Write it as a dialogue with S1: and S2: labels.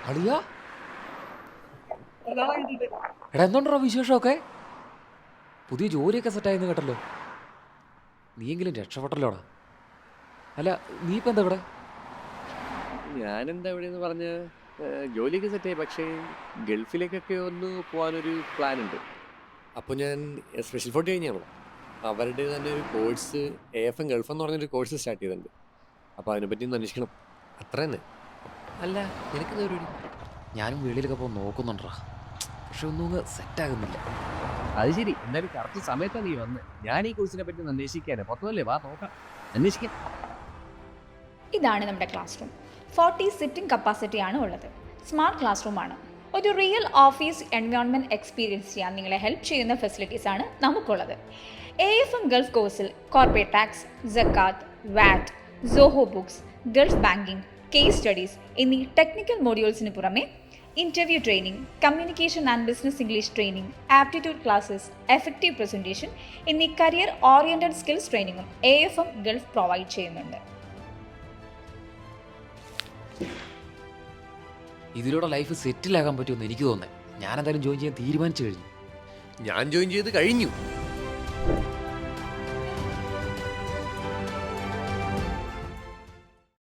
S1: അളിയാ എടാ എന്തുണ്ടോ വിശേഷമൊക്കെ? പുതിയ ജോലിയൊക്കെ സെറ്റായെന്ന് കേട്ടല്ലോ. നീയെങ്കിലും രക്ഷപ്പെട്ടല്ലോടാ. അല്ല നീ ഇപ്പം എന്താ ഇവിടെ?
S2: ഞാനെന്താ ഇവിടെയെന്ന് പറഞ്ഞ് ജോലിയൊക്കെ സെറ്റായി. പക്ഷേ ഗൾഫിലേക്കൊക്കെ ഒന്ന് പോകാനൊരു പ്ലാൻ ഉണ്ട്. അപ്പോൾ ഞാൻ സ്പെഷ്യൽ ഫോർട്ട് കഴിഞ്ഞാണല്ലോ, അവരുടെ തന്നെ ഒരു കോഴ്സ് AFM ഗൾഫ് എന്ന് പറഞ്ഞൊരു കോഴ്സ് സ്റ്റാർട്ട് ചെയ്തിട്ടുണ്ട്. അപ്പോൾ അതിനെപ്പറ്റി ഒന്ന് അന്വേഷിക്കണം, അത്ര തന്നെ. അല്ല, നിനക്കെന്താ പരിപാടി?
S1: ഞാനും വെളിയിലൊക്കെ പോകാൻ നോക്കുന്നുണ്ടാ, പക്ഷെ ഒന്നും സെറ്റാകുന്നില്ല.
S2: അത് ശരി, എന്തായാലും കറക്റ്റ് സമയത്താണ് നീ വന്ന്. ഞാൻ ഈ കോഴ്സിനെ പറ്റി ഒന്ന് അന്വേഷിക്കാനേ പുറത്തുമല്ലേ, വാ നോക്കാം, അന്വേഷിക്കാം.
S3: ഇതാണ് നമ്മുടെ ക്ലാസ് റൂം. 40 സിറ്റിംഗ് കപ്പാസിറ്റി ആണ് ഉള്ളത്. സ്മാർട്ട് ക്ലാസ് റൂം ആണ്. ഒരു റിയൽ ഓഫീസ് എൻവയോൺമെൻറ്റ് എക്സ്പീരിയൻസ് ചെയ്യാൻ നിങ്ങളെ ഹെൽപ്പ് ചെയ്യുന്ന ഫെസിലിറ്റീസ് ആണ് നമുക്കുള്ളത്. AFM ഗൾഫ് കോഴ്സിൽ കോർപ്പറേറ്റ് ടാക്സ്, സക്കാത്ത്, VAT, Zoho books, Gulf banking, case studies എന്നീ ടെക്നിക്കൽ മോഡ്യൂൾസിന് പുറമെ interview training, communication and business English training, aptitude classes, effective presentation എന്നീ കരിയർ ഓറിയൻറ്റഡ് സ്കിൽസ് ട്രെയിനിങ്ങും AFM ഗൾഫ് പ്രൊവൈഡ് ചെയ്യുന്നുണ്ട്.
S1: ഇതിലൂടെ ലൈഫ് സെറ്റിലാകാൻ പറ്റുമെന്ന് എനിക്ക് തോന്നുന്നത്. ഞാൻ എന്തായാലും ജോയിൻ ചെയ്യാൻ തീരുമാനിച്ചു കഴിഞ്ഞു.
S2: ഞാൻ ജോയിൻ ചെയ്ത് കഴിഞ്ഞു.